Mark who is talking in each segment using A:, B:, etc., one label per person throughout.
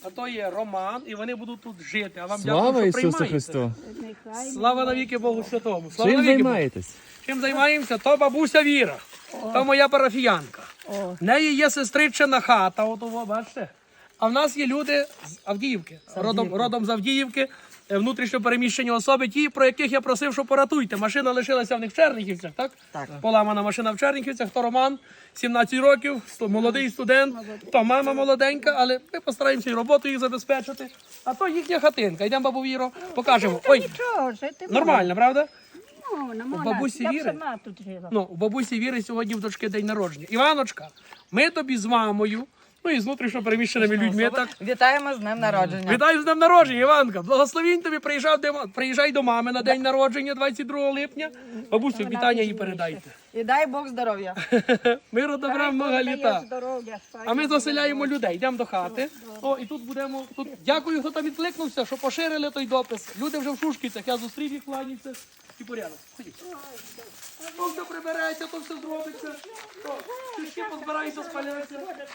A: а то є Роман, і вони будуть тут жити. А вам
B: Слава
A: дякую, що
B: Ісусу
A: приймаєте.
B: Христу!
A: Слава навіки Богу Святому. Слава
B: Чим
A: навіки Богу.
B: займаєтесь?
A: Чим займаємося? То бабуся Віра. То моя парафіянка. В неї є сестричина хата, от того, бачите. А в нас є люди з Авдіївки, родом з Авдіївки, внутрішньо переміщені особи, ті, про яких я просив, що поратуйте. Машина лишилася в них в Черніхівцях, так?
C: Так.
A: Поламана машина в Черніхівцях, то Роман, 17 років, молодий студент, то мама молоденька, але ми постараємося і роботу їх забезпечити. А то їхня хатинка. Йдемо, бабу Віро, покажемо. Ой,
D: Нічого, жити
A: нормально, правда?
D: можна.
A: У бабусі
D: Я б
A: Віри?
D: сама тут жила.
A: Ну, у бабусі Віри сьогодні в дочки день народження. Іваночка, ми тобі з мамою, ну і з внутрішньо переміщеними людьми, так,
C: Вітаємо з днем народження.
A: вітаю з днем народження, Іванка. Благословінь тобі, приїжджай до мами на день народження 22 липня. Бабусю, вітання їй передайте.
C: І дай Бог здоров'я.
A: Миру, добра, много
D: Дає
A: літа.
D: здоров'я,
A: А ми заселяємо людей, йдемо до хати. О, і тут будемо. Тут дякую, хто там відкликнувся, що поширили той допис. Люди вже в Шушківцях, я зустрів їх, кланяться. І порядок. Ходіть. То все прибереться, то все зробиться. Чушки позбираються, спаляться.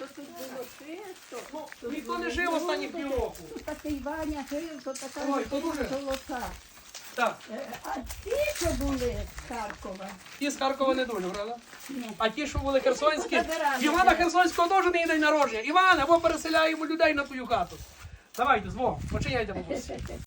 A: Ну, ніхто не жив останні півроку.
D: Такий Ваня жив, то така
A: Ой, то дуже.
D: золота.
A: Так,
D: А ті, що були з Харкова,
A: ті з Харкова не дуже, правда? А ті, що були херсонські,
D: Забирали.
A: Івана Херсонського теж не є день народження. Іван, або переселяємо людей на твою хату. Давайте, з Богом, починяйте, бабуся.